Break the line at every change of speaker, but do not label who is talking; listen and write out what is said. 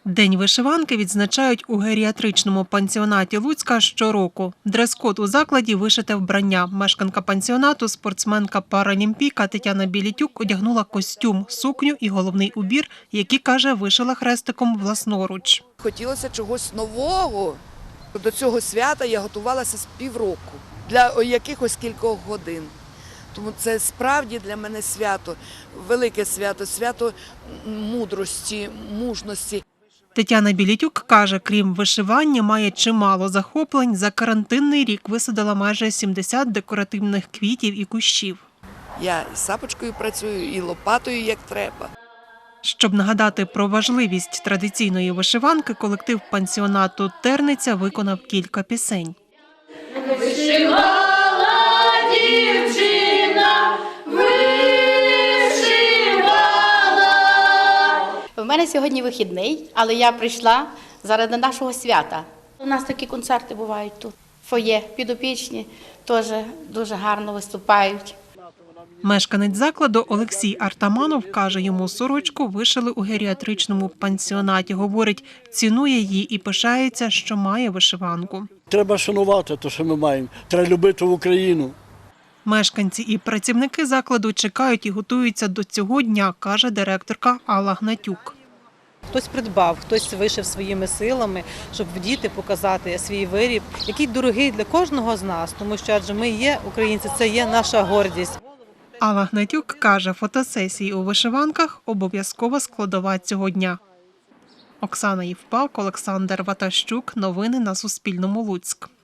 День вишиванки відзначають у геріатричному пансіонаті Луцька щороку. Дрес-код у закладі – вишите вбрання. Мешканка пансіонату, спортсменка-паралімпійка Тетяна Білітюк одягнула костюм, сукню і головний убір, які, каже, вишила хрестиком власноруч.
Хотілося чогось нового. До цього свята я готувалася з півроку, для якихось кількох годин. Тому це справді для мене свято, велике свято, свято мудрості, мужності.
Тетяна Білітюк каже, крім вишивання, має чимало захоплень. За карантинний рік висадила майже 70 декоративних квітів і кущів.
Я і сапочкою працюю, і лопатою, як треба.
Щоб нагадати про важливість традиційної вишиванки, колектив пансіонату «Терниця» виконав кілька пісень.
Вишивала дівчина, вишивала.
У мене сьогодні вихідний, але я прийшла заради нашого свята. У нас такі концерти бувають тут. Фоє, підопічні теж дуже гарно виступають.
Мешканець закладу Олексій Артаманов каже, йому сорочку вишили у геріатричному пансіонаті. Говорить, цінує її і пишається, що має вишиванку.
Треба шанувати те, що ми маємо. Треба любити Україну.
Мешканці і працівники закладу чекають і готуються до цього дня, каже директорка Алла Гнатюк.
Хтось придбав, хтось вишив своїми силами, щоб вдіти, показати свій виріб, який дорогий для кожного з нас, тому що адже ми є українці, це є наша гордість.
Алла Гнатюк каже, фотосесії у вишиванках – обов'язкова складова цього дня. Оксана Євпак, Олександр Ватащук. Новини на Суспільному. Луцьк.